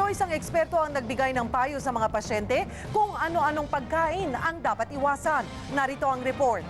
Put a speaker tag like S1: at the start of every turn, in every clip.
S1: isang eksperto ang nagbigay ng payo sa mga pasyente kung ano-anong pagkain ang dapat iwasan. Narito ang report.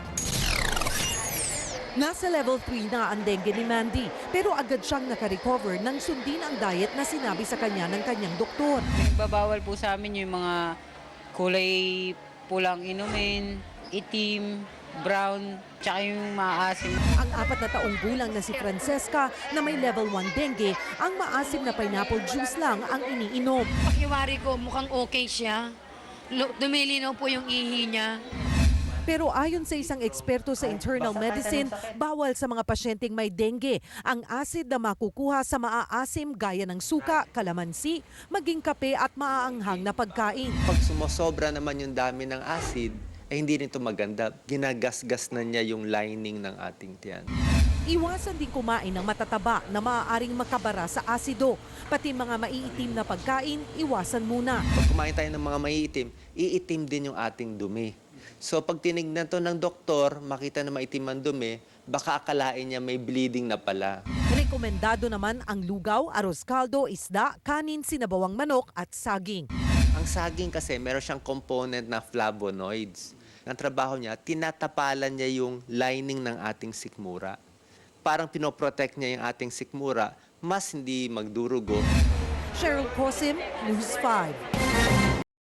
S1: Nasa level 3 na ang dengue ni Mandy, pero agad siyang nakarecover nang sundin ang diet na sinabi sa kanya ng kanyang doktor.
S2: Nagbabawal po sa amin yung mga kulay pulang inumin, itim, brown, tsaka yung maasim.
S1: Ang 4 na taong gulang na si Francesca na may level 1 dengue, ang maasim na pineapple juice lang ang iniinom.
S3: Pakiwari ko, mukhang okay siya. Dumilinaw po yung ihi niya.
S1: Pero ayon sa isang eksperto sa internal medicine, bawal sa mga pasyenteng may dengue ang acid na makukuha sa maaasim gaya ng suka, kalamansi, maging kape at maaanghang na pagkain.
S4: Pag sumosobra naman yung dami ng acid, ay hindi nito maganda. Ginagasgas na niya yung lining ng ating tiyan.
S1: Iwasan din kumain ng matataba na maaaring makabara sa asido. Pati mga maiitim na pagkain, iwasan muna.
S4: Pag kumain tayo ng mga maiitim, iitim din yung ating dumi. So pag tinignan to ng doktor, makita na maitim ang dumi, baka akalain niya may bleeding na pala.
S1: Rekomendado naman ang lugaw, arroz caldo, isda, kanin, sinabawang manok at saging.
S4: Ang saging kasi meron siyang component na flavonoids. Ang trabaho niya, tinatapalan niya yung lining ng ating sikmura. Parang pinoprotect niya yung ating sikmura, mas hindi magdurugo.
S1: Cheryl Cosim, News 5.